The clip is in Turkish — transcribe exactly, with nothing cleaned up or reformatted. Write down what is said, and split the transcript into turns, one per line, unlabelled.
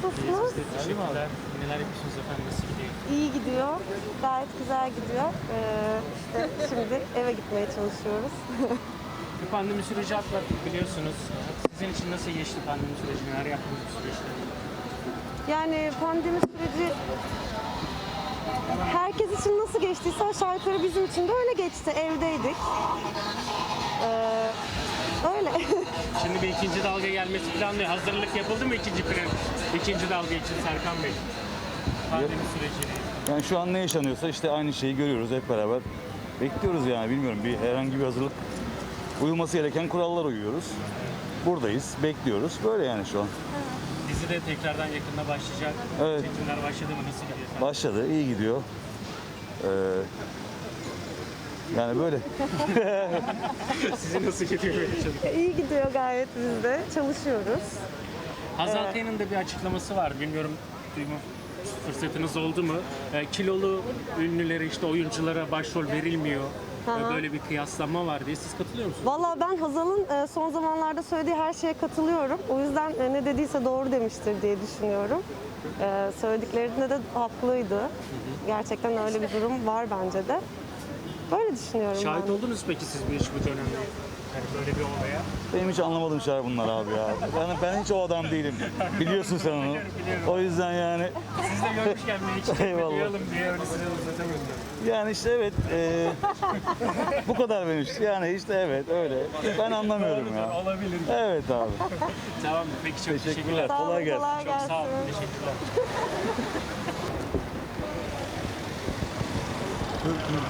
nasılsınız?
Teşekkürler. Neler yapıyorsunuz efendim? Nasıl gidiyor?
İyi gidiyor. Gayet güzel gidiyor. Ee, işte şimdi eve gitmeye çalışıyoruz.
Bir pandemi süreci atlattık biliyorsunuz. Sizin için nasıl geçti pandemi süreci? Neler yaptınız bu süreçte?
Yani pandemi süreci herkes için nasıl geçtiyse aşağı yukarı bizim için de öyle geçti. Evdeydik. Ee, öyle.
Şimdi bir ikinci dalga gelmesi planlıyor. Hazırlık yapıldı mı ikinci plan? İkinci dalga için Serkan Bey. Pandemi süreciyle.
Yani şu an ne yaşanıyorsa işte aynı şeyi görüyoruz hep beraber. Bekliyoruz yani bilmiyorum bir herhangi bir hazırlık uyulması gereken kurallar uyuyoruz. Buradayız, bekliyoruz. Böyle yani şu an.
Dizi de tekrardan yakında başlayacak.
Evet.
Çekimler başladı mı? Nasıl gidiyor efendim?
Başladı, iyi gidiyor. Ee, yani böyle.
Sizin nasıl gidiyor böyle çalışma?
İyi gidiyor gayet biz de. Çalışıyoruz.
Hazal Kaya'nın da bir açıklaması var. Bilmiyorum duyma fırsatınız oldu mu? E, kilolu ünlülere işte oyunculara başrol verilmiyor. E, böyle bir kıyaslama var diye. Siz katılıyor musunuz?
Vallahi ben Hazal'ın e, son zamanlarda söylediği her şeye katılıyorum. O yüzden e, ne dediyse doğru demiştir diye düşünüyorum. E, Söylediklerinde de haklıydı. Gerçekten öyle bir durum var bence de. Böyle düşünüyorum
Şahit
ben.
oldunuz peki siz bu iş bu dönemde? Yani böyle bir olaya.
Benim hiç anlamadığım şeyler bunlar abi ya. Yani ben hiç o adam değilim. Biliyorsun sen onu. O yüzden yani
Siz de görmüşken bir iki kelime
Eyvallah.
duyalım diye öyle size uzatamıyorum.
yani işte evet e, bu kadar benim için. Yani işte evet öyle. Ben anlamıyorum ya.
Olabilir.
Evet abi.
Tamam peki çok teşekkürler.
Teşekkürler.
Sağ olun,
Kolay gelsin.
kolay
Çok sağ olun.
gelsin.
Teşekkürler.